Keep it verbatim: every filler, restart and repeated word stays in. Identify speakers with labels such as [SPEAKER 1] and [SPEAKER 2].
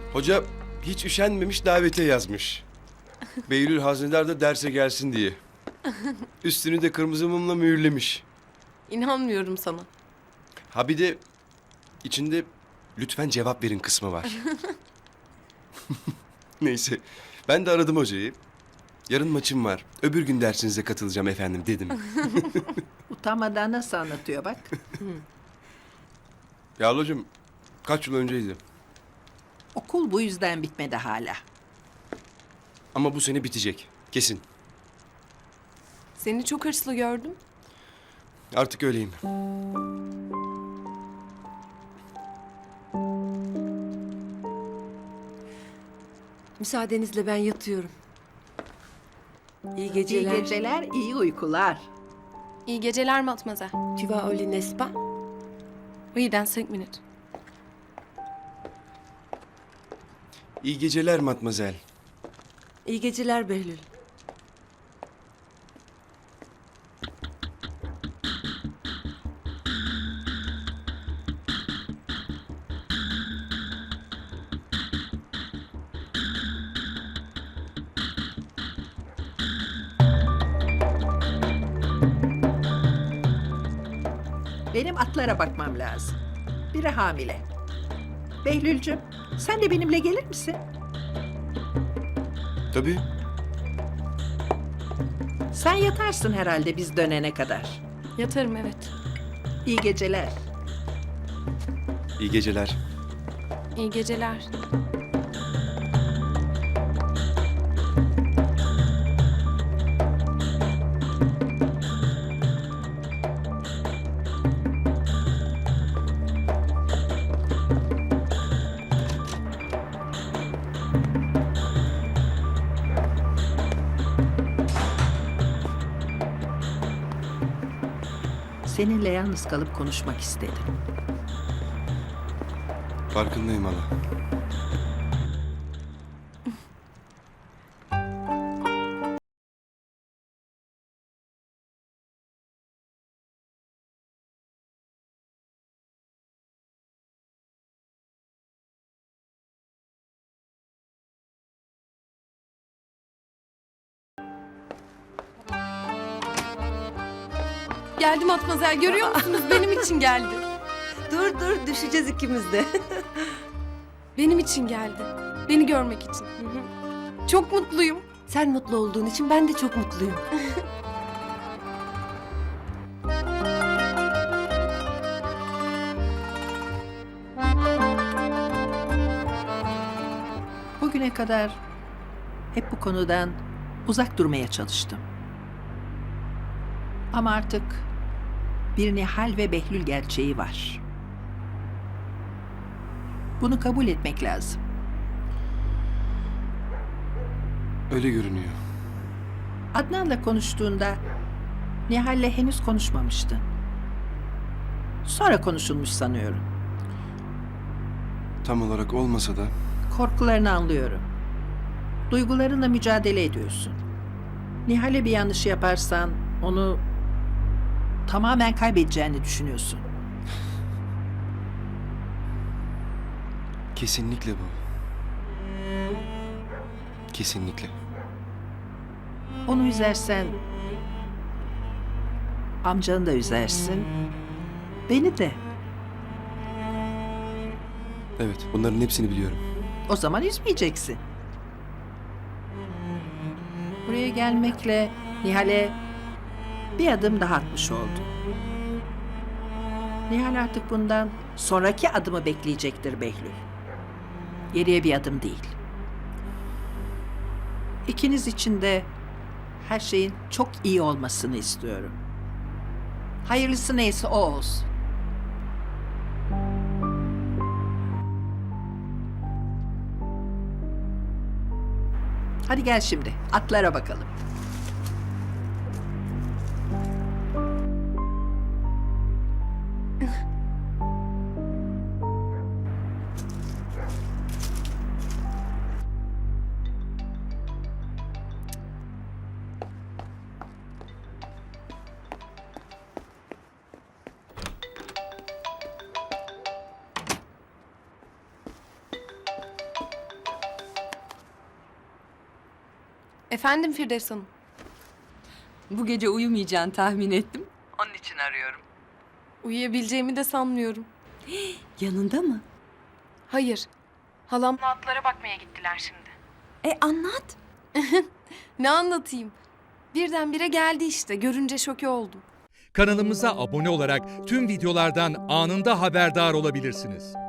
[SPEAKER 1] Hoca hiç üşenmemiş davete yazmış. Behlül Haznedar da derse gelsin diye. Üstünü de kırmızı mumla mühürlemiş.
[SPEAKER 2] İnanmıyorum sana.
[SPEAKER 1] Ha bir de içinde lütfen cevap verin kısmı var. Neyse ben de aradım hocayı. Yarın maçım var. Öbür gün dersinize katılacağım efendim dedim.
[SPEAKER 3] Utanmadan nasıl anlatıyor bak.
[SPEAKER 1] Ya hocam kaç yıl önceydi.
[SPEAKER 3] Okul bu yüzden bitmedi hala.
[SPEAKER 1] Ama bu sene bitecek. Kesin.
[SPEAKER 2] Seni çok hırslı gördüm.
[SPEAKER 1] Artık öyleyim.
[SPEAKER 4] Müsaadenizle ben yatıyorum. İyi
[SPEAKER 3] İyi
[SPEAKER 4] geceler.
[SPEAKER 3] geceler, iyi uykular.
[SPEAKER 2] İyi geceler Matmazel.
[SPEAKER 4] Tu vas au lit, n'est-ce pas?
[SPEAKER 2] Oui, dans cinq minutes.
[SPEAKER 1] İyi geceler matmazel.
[SPEAKER 4] İyi geceler Behlül.
[SPEAKER 3] Benim atlara bakmam lazım. Biri hamile. Behlülcüm, sen de benimle gelir misin?
[SPEAKER 1] Tabii.
[SPEAKER 3] Sen yatarsın herhalde biz dönene kadar.
[SPEAKER 2] Yatarım evet.
[SPEAKER 3] İyi geceler.
[SPEAKER 1] İyi geceler.
[SPEAKER 2] İyi geceler.
[SPEAKER 3] Seninle yalnız kalıp konuşmak istedim.
[SPEAKER 1] Farkındayım hala.
[SPEAKER 2] Geldi Matmazel, görüyor musunuz? Benim için geldi.
[SPEAKER 4] Dur dur düşeceğiz ikimiz de.
[SPEAKER 2] Benim için geldi. Beni görmek için. Çok mutluyum.
[SPEAKER 4] Sen mutlu olduğun için ben de çok mutluyum.
[SPEAKER 3] Bugüne kadar hep bu konudan uzak durmaya çalıştım. Ama artık bir Nihal ve Behlül gerçeği var. Bunu kabul etmek lazım.
[SPEAKER 1] Öyle görünüyor.
[SPEAKER 3] Adnan'la konuştuğunda Nihal'le henüz konuşmamıştın. Sonra konuşulmuş sanıyorum.
[SPEAKER 1] Tam olarak olmasa da
[SPEAKER 3] Korkularını anlıyorum. Duygularınla mücadele ediyorsun. Nihal'e bir yanlış yaparsan onu tamamen kaybedeceğini düşünüyorsun.
[SPEAKER 1] kesinlikle bu. Kesinlikle.
[SPEAKER 3] Onu üzersen amcanı da üzersin. Beni de.
[SPEAKER 1] Evet bunların hepsini biliyorum.
[SPEAKER 3] O zaman üzmeyeceksin. Buraya gelmekle Nihal'e bir adım daha atmış oldun. Nihal artık bundan sonraki adımı bekleyecektir Behlül. Geriye bir adım değil. İkiniz için de her şeyin çok iyi olmasını istiyorum. Hayırlısı neyse o olsun. Hadi gel şimdi atlara bakalım.
[SPEAKER 2] Efendim Firdevs Hanım.
[SPEAKER 5] Bu gece uyumayacağını tahmin ettim.
[SPEAKER 3] Onun için arıyorum.
[SPEAKER 2] Uyuyabileceğimi de sanmıyorum.
[SPEAKER 5] Yanında mı?
[SPEAKER 2] Hayır. Halamla atlara bakmaya gittiler şimdi.
[SPEAKER 5] E anlat.
[SPEAKER 2] Ne anlatayım? Birdenbire geldi işte. Görünce şoke oldum.
[SPEAKER 6] Kanalımıza abone olarak tüm videolardan anında haberdar olabilirsiniz.